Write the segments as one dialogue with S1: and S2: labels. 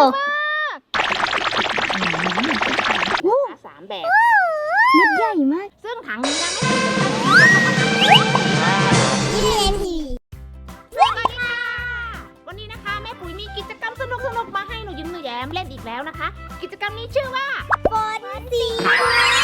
S1: 3 แบบ
S2: เม็ดใหญ่มาก
S1: ซึ่งถังนี้นะสวัสดีค่ะวันนี้นะคะแม่ปุ๋ยมีกิจกรรมสนุกๆมาให้หนูยิ้มหนูแย้มเล่นอีกแล้วนะคะ กิจกรรมนี้ชื่อว่า
S2: ฝนสี
S1: เรา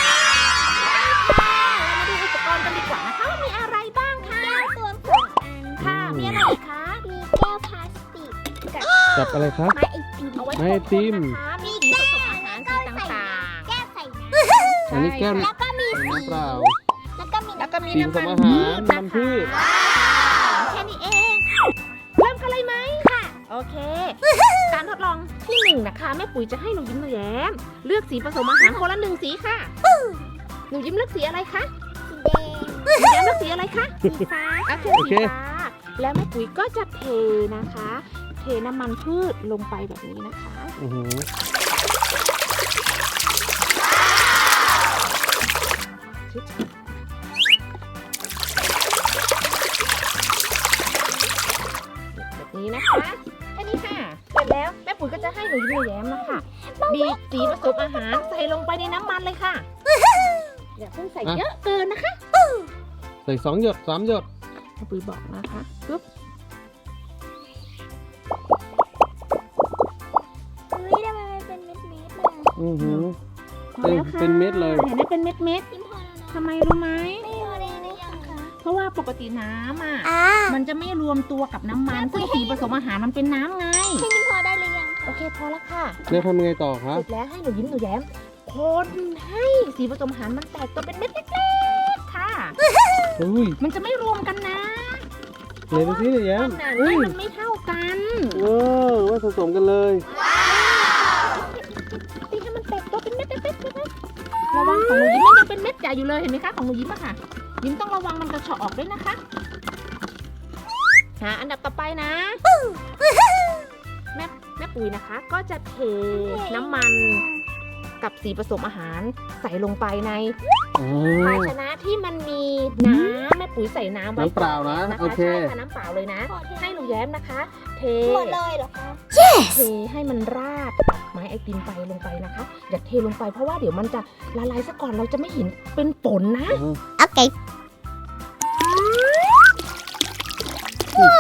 S1: มาดูอุปกรณ์กันดีกว่านะคะว่ามีอะไรบ้างคะ
S2: แก้วรวม2 อัน
S1: ค่ะมีอะไรอีกคะ
S2: มีแก้วพลาสติกกับ
S3: จับอะไรครับ
S2: ไม้ไอติม
S1: เอาไว้
S3: ไม่ให้ติม
S1: นะคะมีสีผสมอาหารสีต่าง
S2: แก้วใส่น้
S1: ๆ
S3: อันนี้แก้ว
S2: ำแล้วก็มีสี
S3: น้ำเปล่า
S2: แล้วก็มี
S1: แล้วก็มี
S3: สีผ
S1: น้ำ
S3: ส
S1: มัน
S3: มอาหารน้ำพืช
S1: แค่นี้เองเริ่มกันเลยไหมค่ะโอเค การทดลองที่1นะคะแม่ปุ๋ยจะให้หนูยิ้มหนูแย้มเลือกสีผสมอาหารคนละ1สีค่ะหนูยิ้มเลือกสีอะไรคะ
S2: สีแดง
S1: หนูแย้มเลือกสีอะไรคะ
S2: สีฟ้า
S1: โอเค
S3: โอ
S1: สี
S3: เค
S1: ฟ้าแล้วแม่ปุ๋ยก็จะเทนะคะ เทน้ำมันพืชลงไปแบบนี้นะคะ
S3: อือหือ
S1: ชิบแบบนี้นะคะแค่นี้ค่ะเสร็จแล้วแม่ปุ๋ยก็จะให้หนูยิ้มหนูแย้มนะคะบีบสีผสมอาหารใส่ลงไปในน้ำมันเลยค่ะอย่าเพิ่งใส่เยอะเกินนะคะ
S3: ใส่2 หยด 3 หยด
S1: แม่ปุ๋ยบอกนะคะปึ๊บ
S2: อุ้ยทำไมมันเป็นเม็ดๆเลย
S3: อือหือ
S1: พอแล้วค่ะ
S3: เป็นเม็ดเลย
S1: เห็นไหมเป็นเม็ดเม็ด
S2: ยิ้มพอแล้วนะ
S1: ทำไมรู้ไหม
S2: ไม่พอได้หรือยังคะ
S1: เพราะว่าปกติน้ำอ่ะ
S2: มั
S1: มัน นจะไม่รวมตัวกับน้ำมันซึ่งสีผสมอาหารมันเป็นน้ำไง
S2: ให้ยิ้มพอได้หรือยัง
S1: โอ
S2: คะ
S1: เคพอแล้วค่ะ
S3: แล้วทำยังไงต่อครับ
S1: เสร็จแล้วให้หนูยิ้มหนูแย้มคนให้สีผสมอาหารมันแตกตัวเป็นเม็ดเล็กๆค่ะ
S3: อุ้ย
S1: มันจะไม่รวมกันนะ
S3: ไหนดูสิเนี่ยแย้ม
S1: ขนาด
S3: อุ้
S1: นี้
S3: ย
S1: มันไม่เท่ากัน
S3: ว้าวว่าผสมกันเลย
S1: ตีให้มันแตกตัวเป็นเม็ดเล็กๆนะคะระวังของหนูยิ้มมันยังเป็นเม็ดใหญ่อยู่เลยเห็นไหมคะของหนูยิ้มอะค่ะ ยิ้มต้องระวังมันกระเฉาะออกด้วยนะคะอันดับต่อไปนะแม่ปุ๋ยนะคะ ก็จะเทน้ำมันกับสีผสมอาหารใส่ลงไปใน
S3: อ๋
S1: ภา
S3: อ
S1: ชนะที่มันมีน้ำแม่ปุ๋ยใส่น้ำไว้
S3: น้ำเปล่านะ
S1: ก่อ
S3: โอเค
S1: ใช่ค่ะน้ำเปล่าเลยนะ ให้หนูแย้มนะคะ เท
S2: หมดเลยเหรอคะ
S1: เทให้มันราดกับไม้ไอติมไปลงไปนะคะอย่าเทลงไปเพราะว่าเดี๋ยวมันจะละลายซะก่อนเราจะไม่เห็นเป็นฝนนะ
S2: โอเคโอ้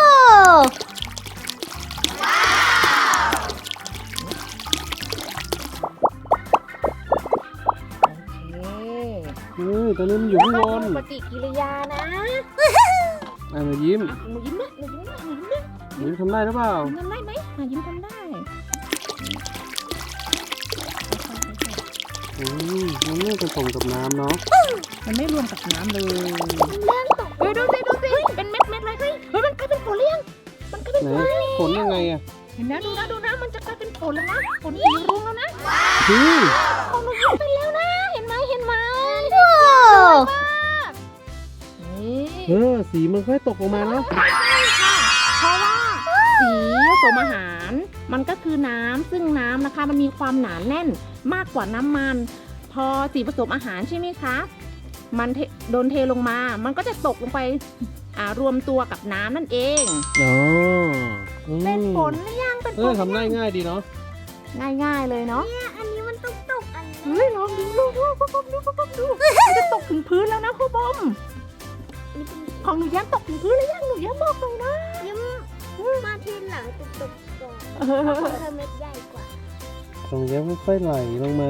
S1: โอเค
S3: ตอนนี้มันอยู่ข้างบน
S1: แล้วก็ดูปฏิกิริยานะ
S3: หนูยิ้ม
S1: หนูยิ้มนะหนูยิ้มนะหนูยิ้มนะ
S3: หนูยิ้มทำได้หรือเปล่า
S1: หนูทำได้ไหมยิ้มทำได้
S3: มันไม่ผสมกับน้ำเนาะ
S1: มันไม่รวมกับน้ำเลย
S2: เรื่องตก
S1: ดูสิเป็นเม็ดเลยเฮ้ยมันกลายเป็นฝนหรือยังมันกลายเป็น
S3: ไหน
S1: ฝน
S3: ผลยังไงอ่ะ
S1: เห็นนะดูนะมันจะกลายเป็นฝนแล้วนะฝนสีรุ้งแล้วนะ
S3: คือ
S1: ของหนูยิ้มเป็นแล้วนะเห็นไหม
S2: โอ้
S1: นี่
S3: สีมันค่อยตกลงมาเนาะ
S1: เพราะว่าสีผสมอาหารมันก็คือน้ำซึ่งน้ำนะคะมันมีความหนาแน่นมากกว่าน้ำมัน พอสีผสมอาหารใช่ไหมคะมันโดนเทลงมา มันก็จะตกลงไปรวมตัวกับน้ำนั่นเอง
S3: อ๋อ
S1: เป็นฝนหรือยังเป็นฝน
S3: ทำได้ง่ายดีเนาะ
S1: ง่ายๆเลยเนาะ
S2: เนี่ยอันนี้มันตกอันนี้
S1: เฮ้ยลองดูมันจะตกถึงพื้นแล้วนะครูบอมของหนูย้ำตกถึงพื้นหรือยังหนูย้ำบอกเลยนะ
S2: ยิ้มมาทีหลังตกก่อนของเธอเม็ดใหญ่กว่า
S3: ตรงนี้ค่อยๆไหลลงมา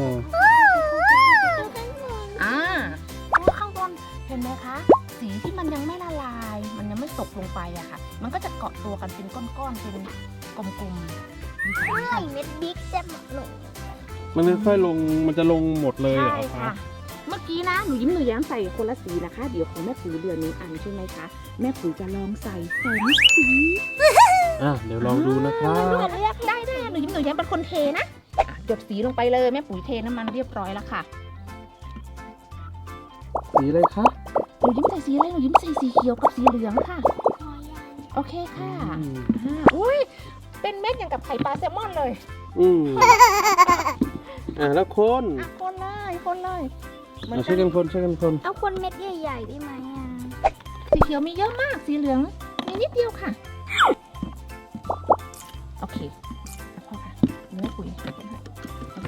S1: ข้างบนเห็นไหมคะ สีที่มันยังไม่ละลาย มันยังไม่ตกลงไปอะค่ะ มันก็จะเกาะตัวกันเป็นก้อนๆเป็นกลมๆ
S2: เมื่อไหร่เม็ดบิ๊กจะหมดลง
S3: มันค่อยๆลง มันจะลงหมดเลยเหร
S1: ใช่
S3: อครั
S1: ค่ะ
S3: บ
S1: เมื่อกี้นะหนูยิ้มหนูแย้มใส่คนละสีนะคะ เดี๋ยวของแม่ปุ๋ยเดือนนี้อันใช่ไหมคะแม่ปุ๋ยจะลองใส่2 สี
S3: เดี๋ยวลองดูนะครับ
S1: เลือกได้หนูยิ้มหนูแย้มเป็นคนเทนะหยดสีลงไปเลยแม่ปุ๋ยเทน้ำมันเรียบร้อยแล้วค่ะ
S3: สีอะไรคะ
S1: หนูยิ้มใส่สีอะไรหนูยิ้มใส่สีเขียวกับสีเหลืองค่ะ โอเคค่ะอุ้ยเป็นเม็ดอย่างกับไข่ปลาแซลมอนเลย
S3: แล้วคน
S1: คนเลย
S3: ช่วยกันคน
S2: เอาคนเม็ดใหญ่ๆได้ไหมอ่ะ
S1: สีเขียวมีเยอะมากสีเหลืองมีนิดเดียวค่ะโอเคพอค่ะ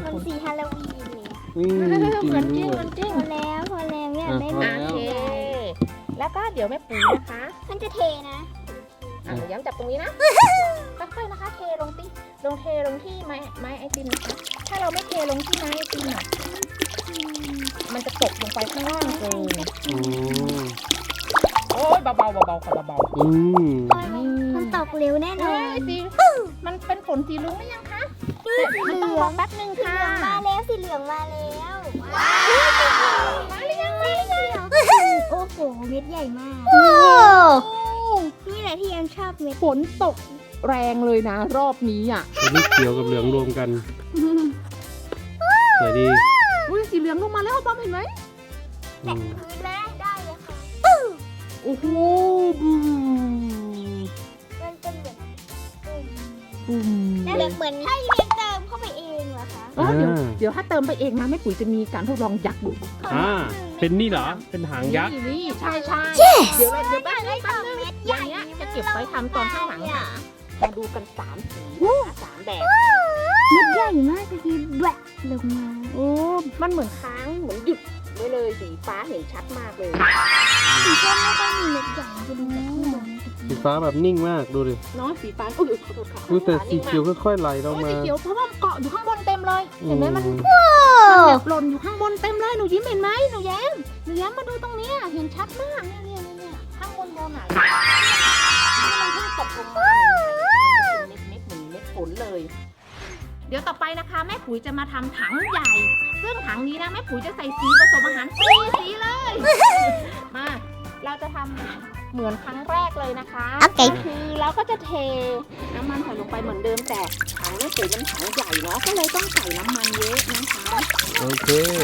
S2: มันสีฮาโลวีนเลยอะ
S3: นี่
S1: เหมือนจริง
S3: ด้
S1: เห
S3: ว
S1: มื
S3: ย
S1: อนจริง
S2: พอแล้วเนี่ยไม่
S3: พอ
S2: มา
S3: แล้ว
S1: โอเค แล้วก็เดี๋ยวแม่ปุ๋ยนะคะ
S2: มันจะเทนะ
S1: หนูย้ำจับตรงนี้นะค่อยๆนะคะ เทลงที่ไม้ไอติมนะคะ ถ้าเราไม่เทลงที่ไม้ไอติมอ่ะมันจะตกลงไปข้างล่างเกิน
S3: อืม
S1: โอ้ยเบาๆค่ะเบา
S3: อืม
S2: มันตกเร็วแน่
S1: ๆ
S2: นอ
S1: เอ้
S2: น
S1: ยสิมันเป็นฝนสีลุ้งหรือยังคะ
S2: สีเห
S1: มัน
S2: ลื
S1: ต้องร
S2: อ
S1: อง แป๊บนึง
S2: สี
S1: ค่ะ
S2: เหลืองมาแล้วสีเหลืองมาแล้ว
S1: มาหรือยังมาหรือยัง
S2: โอ้โหเม็ดใหญ่มากนี่แหละที่ยังชอบเม็ด
S1: ฝนตกแรงเลยนะ รอบนี้อ่ะ
S3: อันนี้เขียวกับเหลืองรวมกันสวยดี
S1: อุ้ยสีเหลืองลงมาแล้วบอมเห็นไหม
S3: อืม
S2: พื้นแล้วได้เลยค่ะ
S1: โอ้โห
S2: มันเป็นเหมือน
S1: อืม
S2: นั่นแหละเหมือนให้เรียนเติมเข้าไปเองเหรอคะ
S1: เดี๋ยวถ้าเติมไปเองนะแม่ปุ๋ยจะมีการทดลองยักษ์ดู
S3: เป็นนี่เหรอ เป็นหางยักษ์
S1: นี่ใช่เดี๋ยวแป๊บนึงอย่างเงี้ยจะเก็บไว้ทำตอนข้างหลังค่ะมาดูกัน3 สีนะคะ3 แบบ
S2: เม็ดใหญ่มากทีแบะลงมา
S1: โอ้มันเหมือนค้างเหมือนหยุดไว้เลยสีฟ้าเห็นชัดมากเลย
S2: สีส้มไม่ค่อยมีเม็ดใหญ่จะดูจากข้างบน
S3: สีฟ้าแบบนิ่งมากดูดิ
S1: เนาะสีฟ้าอุ้ยขอโทษค่ะ
S3: ดูแต่สีเขียวค่อยๆไหลล
S1: โอ้
S3: ง
S1: ย
S3: มา
S1: สีเขียวเพราะว่าเกาะอยู่ข้างบนเต็มเลย
S3: อื
S1: เห็นไหมมัน แบบหล่นอยู่ข้างบนเต็มเลยหนูยิ้มเห็นไหมหนูแย้มมาดูตรงเนี้ยเห็นชัดมากเนี่ยข้างบนอ่ะที่มันเพิ่งตกลงมาเนี่ยมันเป็นเม็ดเหมือนเม็ดฝนเลย เดี๋ยวต่อไปนะคะแม่ปุ๋ยจะมาทำถังใหญ่ ซึ่งถังนี้นะแม่ปุ๋ยจะใส่สีผสมอาหาร4 สีเลย มาเราจะทำเหมือนครั้งแรกเลยนะคะก็คือเราก็จะเทน้ำมันใส่ลงไปเหมือนเดิมแต่ถังแม่ปุ๋ยมันถังใหญ่เนาะก็เลยต้องใส่น้ำมันเยอะนะคะ
S3: โอเค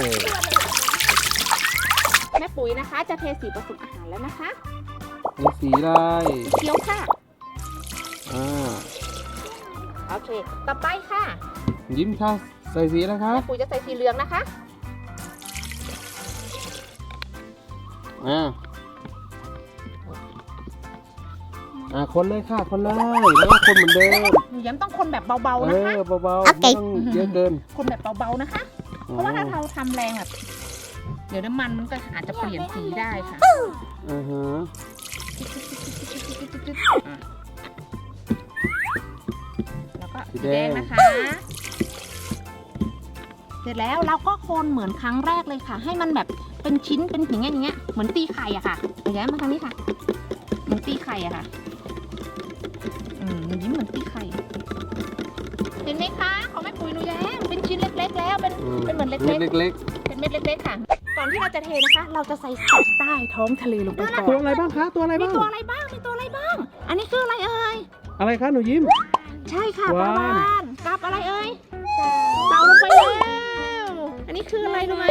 S1: แม่ปุ๋ยนะคะจะเทสีผสมอาหารแล้วนะคะ
S3: มีสีอะไร
S1: เขียวค่ะ
S3: อ่า
S1: โอเค ต่อไปค่ะ
S3: ยิ้มค่ะ ใส่สีอะไรครั
S1: แม่
S3: บ
S1: ปุ๋ยจะใส่สีเหลืองนะคะ
S3: คนเลยค่ะ คนเลยแล้วก็คนเหมือนเดิม
S1: หนูย้ำต้องคนแบบเบาๆนะคะ
S3: เบาๆไม่ต้องเยอะเกิน
S1: คนแบบเบาๆนะคะ เพราะว่าถ้าเราทำแรงแบบเดี๋ยวน้ำมันมันก็อาจจะเปลี่ยนสีได้ค่ะ
S3: อ่าฮะ
S1: แล้วก็สีแดงนะคะ เสร็จแล้วเราก็คนเหมือนครั้งแรกเลยค่ะ ให้มันแบบเป็นชิ้นเป็นอย่างเงี้ยเหมือนตีไข่อะค่ะหนูย้ำมาทางนี้ค่ะเหมือนตีไข่อะค่ะหนูยิ้มเหมือนตีไข่เห็นไหมคะของแม่ปุ๋ยหนูแย้มเป็นชิ้นเล็กๆแล้วเป็นเหมือนเล็กๆ
S3: เล็ก
S1: เป็นเม็ดเล็กๆค่ะ ก่อนที่เราจะเทนะคะ เราจะใส่สัตว์ใต้ท้องทะเลลงไปก่อ
S3: ๆตัวน อะไรบ้างคะ ตัวอะไร
S1: มี
S3: บ้าง
S1: ตัวอะไรบ้าง อันนี้คืออะไรเอ่ย
S3: อะไรคะหนูยิ้ม
S1: ใช่ค่ะป
S3: ว้า
S1: ลาว วานกับอะไรเอ่ยเต่าลงไปแล้ว อันนี้คืออะไรรู้ไหม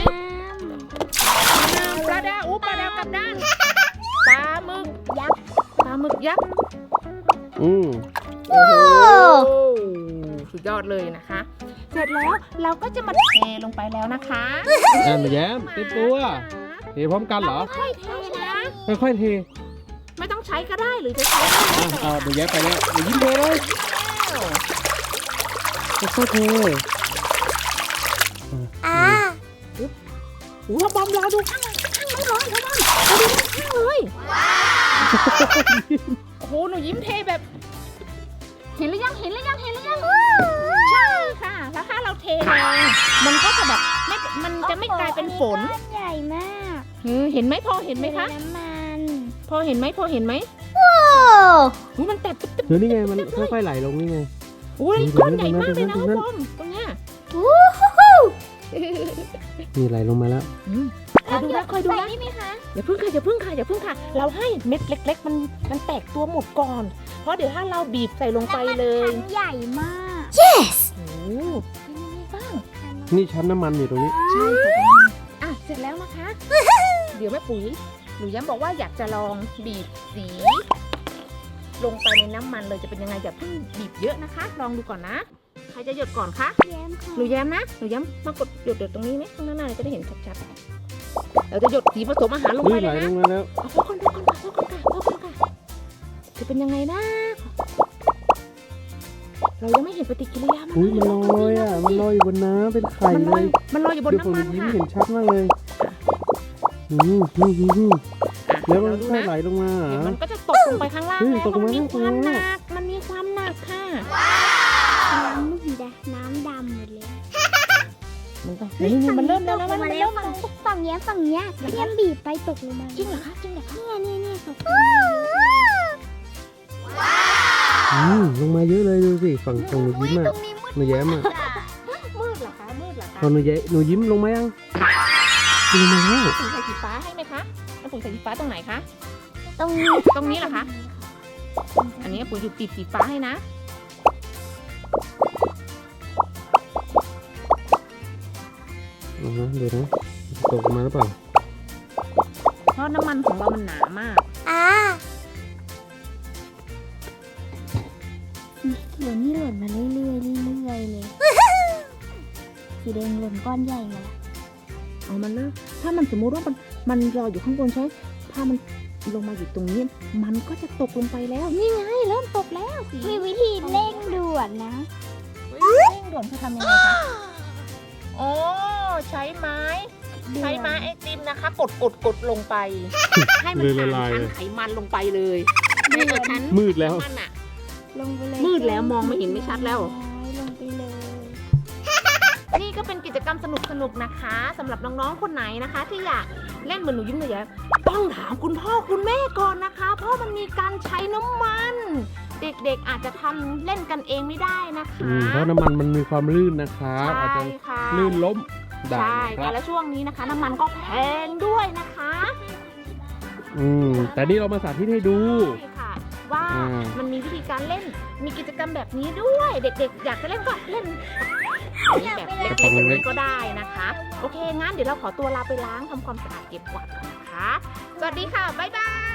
S1: ปลาดาวปลาดาวกลับด้านปลาหมึกยักษ์
S3: อืม
S1: โอ้โหสุดยอดเลยนะคะ เสร็จแล้วเราก็จะมาเทลงไปแล้วนะคะ
S3: หนูแย้มเต็มตัวเทพร้อมกันเหรอ
S1: ค่อยๆเทนะ
S3: ค่อยๆเท
S1: ไม่ต้องใช้ก็ได้หรือจะใช้ก็ได้
S3: หนูแย้มไปแล้วหนูยิ้มเทเลยค่อยๆเท
S1: โอ้บอมรอดูข้างเลยรอดูข้างเลยโอ้โหหนูยิ้มเทแบบ เห็นหรือยังใช่ค่ะแล้วถ้าเราเทแรงมันก็จะแบบมันจะไม่กลายเป็นฝน
S2: ใหญ่มาก
S1: เห็นไหมพอเห็นไหมคะ
S2: น้ำมัน
S1: พอเห็นไหมมันแตกตึ๊บ
S3: เดี๋ยวนี่ไงมันค่อยๆไหลลงนี่ไง
S1: โอ้ยก้อนใหญ่มากเลยนะบอมตรงเนี้ย
S3: นี่ไหลลงมาแล้ว
S1: คอยดูนะ
S2: นี่ไหมคะ
S1: อย่าพึ่งค่ะเราให้เม็ดเล็กๆมันแตกตัวหมดก่อน เพราะเดี๋ยวถ้าเราบีบใส่ลงไปเลย
S2: ถังใหญ่มาก
S1: โอ้เป็นยังไงบ้าง
S3: นี่ชั้นน้ำมันอยู่ตรงนี้
S1: ใช่ค่ะอ่ะเสร็จแล้วนะคะ เดี๋ยวแม่ปุ๋ยหนูย้ำบอกว่าอยากจะลองบีบสี ลงไปในน้ำมันเลยจะเป็นยังไงอย่าเพิ่งบีบเยอะนะคะ ลองดูก่อนนะใครจะหยดก่อนคะ
S2: แย้มค่ะ
S1: หนูแย้มนะหนูแย้มมากดหยดตรงนี้ไหมข้างหน้าจะได้เห็นชัดๆเราจะหยดสีผสมอาหารลงไป
S3: นี่
S1: เล
S3: ไหล
S1: ย
S3: ล
S1: นะ
S3: งมาแล้ว
S1: เอาพอก่อนค่ะจะเป็นยังไงนะเรายังไม่เห็นปฏิกิริยา
S3: อุ้ยมันลอยอ่ะมันลอยอยู่บนน้ำเป็นไข่
S1: มันล
S3: เล
S1: อย
S3: ย
S1: มันลอยอยู่บน
S3: เดี๋ยวผม
S1: น้ำมัน
S3: ยิ้ม
S1: ค่ะ
S3: เห็นชัดมากเลยแล้วมันค่อยไหลลงมาเหร
S1: เดี๋ยว
S3: อ
S1: มันก็จะตกลงไปข้างล่าง
S3: เฮ้ย
S1: แล้ว
S3: ตกลง
S1: มั
S3: มาน
S1: มีความห
S3: ข้าง
S1: นั
S3: ล่าง
S1: กมันมีความหนักค่ะ
S2: น้ำมืดน้ำดำหมดเลย
S1: มันต้องนี่มันเริ่มแล้วนะมันเริ่ม
S2: ฝั่งเนี้ยพี่แอมบีบไปตกลงมา
S1: จริงเหรอคะจริงเหรอคะ
S2: เนี่ยตกลงมา
S3: ลงมาเยอะเลยดูสิฝั่งหนูยิ้มอ่ะหนูแย้มอ่ะ
S1: มืดเหรอคะมืดเหรอคะ
S3: พอหนูยิ้มลงมายังลงมาแล้ว
S1: ปุ๋ยใส่สีฟ้าให้ไหมคะแล้วปุ๋ยใส่สีฟ้าตรงไหนคะ
S2: ตรงนี้
S1: ตรงนี้เหรอคะ อันนี้ปุ๋ยอยู่ติดสีฟ้าให้นะ
S3: ดูนะจะตกลงมาหรือเปล่า
S1: เพราะน้ำมันของเรามันหนามาก
S2: เดี๋ยวนี้หล่นมาเรื่อยเลยสีแดงหล่นก้อนใหญ่มาแล้ว
S1: เอามันเลิกถ้ามันสมมุติว่ามันลอยอยู่ข้างบนใช่ไหมถ้ามันลงมาอยู่ตรงนี้ มันก็จะตกลงไปแล้ว นี่ไงเริ่มตกแล้วสิ
S2: มีวิธีเร่งด่วนนะ
S1: เร่งด่วนคือทำยังไงคะโอ้ใช้ไม้ไอติมนะคะ กดลงไป ให้มันผ่านชั้นไขมันลงไปเลยในชั้น
S3: มืดแล้ว
S1: มันอะ
S2: ลงไปเลย
S1: มืดแล้วมองไม่เห็นไม่ชัดแล้ว
S2: ลงไปเลย
S1: นี่ก็เป็นกิจกรรมสนุกๆนะคะสำหรับน้องๆคนไหนนะคะ ที่อยากเล่นเหมือนหนูยิ้มหนูแย้มต้องถามคุณพ่อคุณแม่ก่อนนะคะ เพราะมันมีการใช้น้ำมัน เด็กๆอาจจะทำเล่นกันเองไม่ได้นะคะ
S3: เพราะน้ำมันมีความลื่นนะครับอาจ
S1: ใช่
S3: จะ
S1: ค่ะ
S3: ลื่นล้มได้
S1: ใช่
S3: นะค
S1: ค่ะ
S3: รับ
S1: และช่วงนี้นะคะ น้ำมันก็แพงด้วยนะคะ
S3: แต่นี่เรามาสาธิตให้ดู
S1: ใช่ค่ะว่า
S3: อ่ามั
S1: มันมีวิธีการเล่นมีกิจกรรมแบบนี้ด้วย เด็กๆ อยากจะเล่นก็เล่นแบบเล็กๆแบบนี้ก็ได้นะคะ โอเคงั้นเดี๋ยวเราขอตัวลาไปล้างทำความสะอาดเก็บกวาดก่อนนะคะ สวัสดีค่ะ บ๊ายบาย